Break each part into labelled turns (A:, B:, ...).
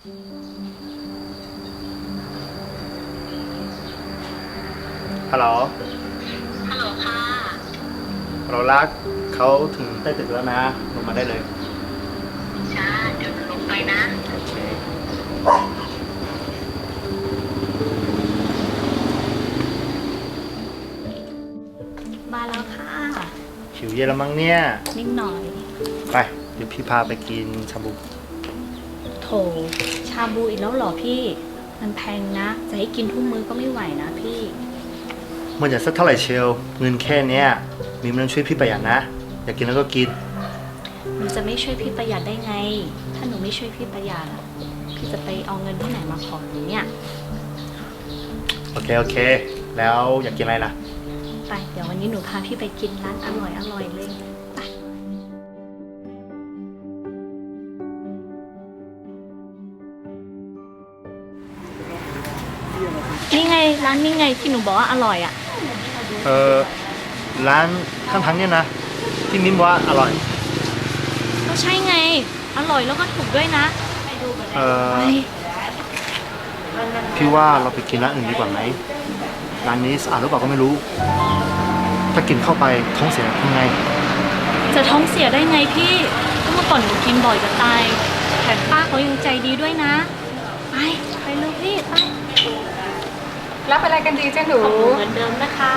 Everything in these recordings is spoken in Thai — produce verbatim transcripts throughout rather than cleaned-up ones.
A: ฮัลโหล
B: ฮัลโหลค่ะ
A: ฮัลโหลรักเขาถึงใต้ตึกแล้วนะลงมาได้เลย
B: จ้าเดี๋ยวลงไปนะ
A: โอเค
C: มาแล้วค่ะ
A: หิวเย็นแล้วมั้งเนี่ย
C: นิดหน่อย
A: ไปเดี๋ยวพี่พาไปกินชาบู
C: โถชาบูอีกแล้วเหรอพี่มันแพงนะจะให้กินทุกมื้อก็ไม่ไหวนะพี่
A: มันจะสักเท่าไหร่เชลเงินแค่เนี้ยมีมันช่วยพี่ประหยัดนะอยากกินแล้วก็กิน
C: หนูจะไม่ช่วยพี่ประหยัดได้ไงถ้าหนูไม่ช่วยพี่ประหยัดพี่จะไปเอาเงินที่ไหนมาขอหนูเนี่ย
A: โอเคโอเคแล้วอยากกินอะไรล่ะ
C: ไปเดี๋ยววันนี้หนูพาพี่ไปกินร้านอร่อยอร่อยเลยไปนี่ไงร้านนี่ไงที่หนูบอกว่าอร่อยอ่ะ
A: เออร้านข้างทางเนี่ยนะที่มิ้นว่าอร่อย
C: ก็ใช่ไงอร่อยแล้วก็ถูกด้วยนะไปดูกันเลย
A: พี่ว่าเราไปกินร้านอื่นดีกว่าไหมร้านนี้สะอาดหรือเปล่าก็ไม่รู้ถ้ากินเข้าไปท้องเสียทำไง
C: จะท้องเสียได้ไงพี่ก็เมื่อก่อนหนูกินบ่อยจะตายแถมป้าเขายังใจดีด้วยนะไปไปเลยพี่ไป
D: รับอะไรกันดีจ้าหนู
C: เหมือนเดิมนะคะ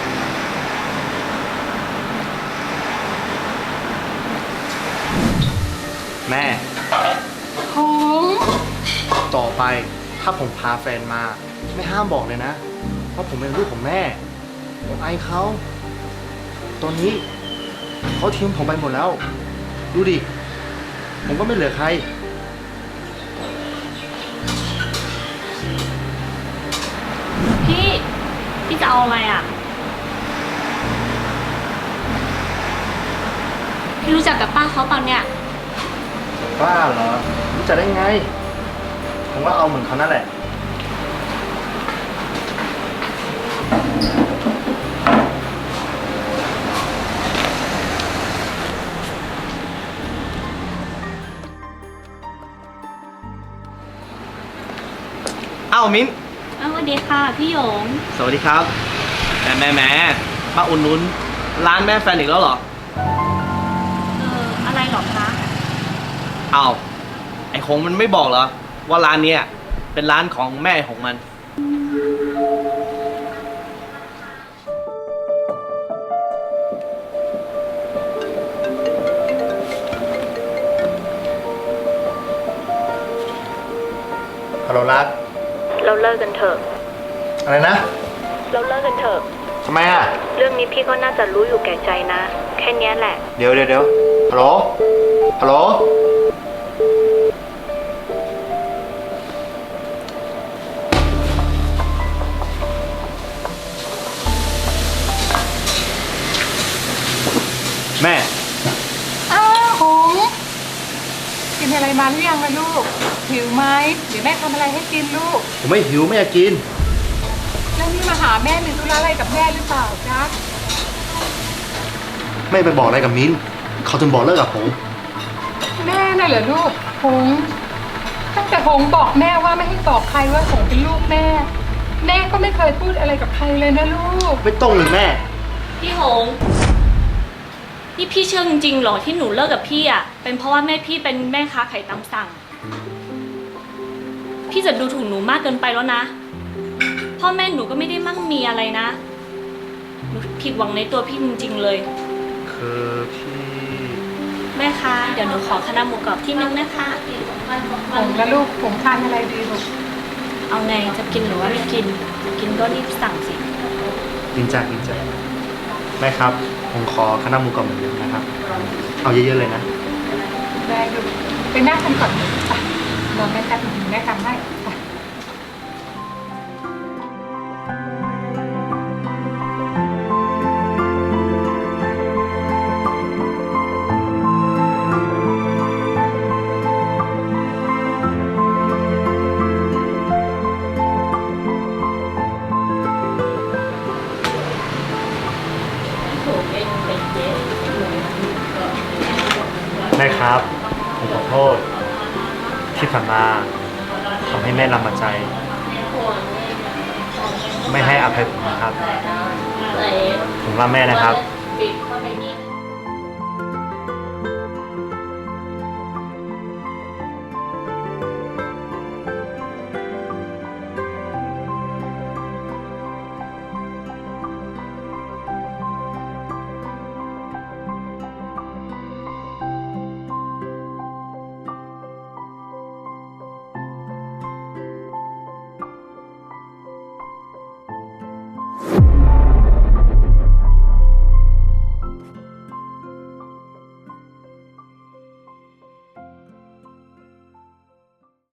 A: แม่
D: หง
A: ต่อไปถ้าผมพาแฟนมาไม่ห้ามบอกเลยนะเพราะผมเป็นลูกของแม่ผมไอเขาตอนนี้เขาทิ้งผมไปหมดแล้วดูดิผมก็ไม่เหลือใคร
C: พี่พี่จะเอาอะไรอ่ะพี่รู้จักกับป้าเขาเปล่าเนี่ย
A: บ้าเหรอรู้จักได้ไงผมว่าเอาเหมือนเขานั่นแหละ
E: อ้าวมิ้น
C: สวัสดีค่ะพี่หยง
E: สวัสดีครับแหมแหมแหมมาอุ่นนุนร้านแม่แฟนอีกแล้วเหรอ
C: เอออะไรหรอคะ
E: อ้าวไอ้คงมันไม่บอกเหรอว่าร้านเนี้ยเป็นร้านของแม่ของมัน
A: ฮัลโหลรัก
C: เราเลิกกันเถอะ
A: อะไรนะ
C: เราเลิกกันเถอะ
A: ทำไมอ่ะ
C: เรื่องนี้พี่ก็น่าจะรู้อยู่แก่ใจนะแค่นี้แหละ
A: เดี๋ยวเดี๋ยวเดี๋ยวฮัลโหลฮัลโหลแม่
D: อ้าวหงกินอะไรมาหรือยังล่ะลูกหิวไหมเดี๋ยวแม่ทำอะไรให้กินลูก
A: ผมไม่หิวไม่อยากกิน
D: แล้วนี่มาหาแม่มีธุระอะไรกับแม่หรือเปล่าจ๊ะ
A: ไม่ไปบอกอะไรกับมิ้นเขาถึงบอกเลิกกับผม
D: แม่น่ะเหรอลูกหงตั้งแต่หงบอกแม่ว่าไม่ให้บอกใครว่าหงเป็นลูกแม่แม่ก็ไม่เคยพูดอะไรกับใครเลยนะลูก
A: ไม่ต้องเลยแม่
C: พี่หงนี่พี่เชื่อจริงๆหรอที่หนูเลิกกับพี่อ่ะเป็นเพราะว่าแม่พี่เป็นแม่ค้าขายตามสั่งพี่จะดูถูกหนูมากเกินไปแล้วนะพ่อแม่หนูก็ไม่ได้มั่งมีอะไรนะหนูผิดหวังในตัวพี่จริงๆเลย
A: คือพี่
C: แม่คะเดี๋ยวหนูขอคณะหมูกรอบที่นึงนะคะ
D: หงและลูกหงทานอะไรดีลูก
C: เอาไงจะกินหรือว่าไม่กินกินก็รีบสั่งสิ
A: กินจ้ากินจ้าแม่ครับผมขอคณะหมูกรอบเหมือนเดิมนะครับเอาเยอะๆเลยนะ
D: ได้ลูกไปนั่งกันก่อนไปรอแม่แป๊บนึงแม่ทำให้ไป
A: แม่ครับผมขอโทษที่ผ่านมาผทำให้แม่ลำบากใจ ไม่ให้อภัยผมนะครับ ผมรักแม่นะครับ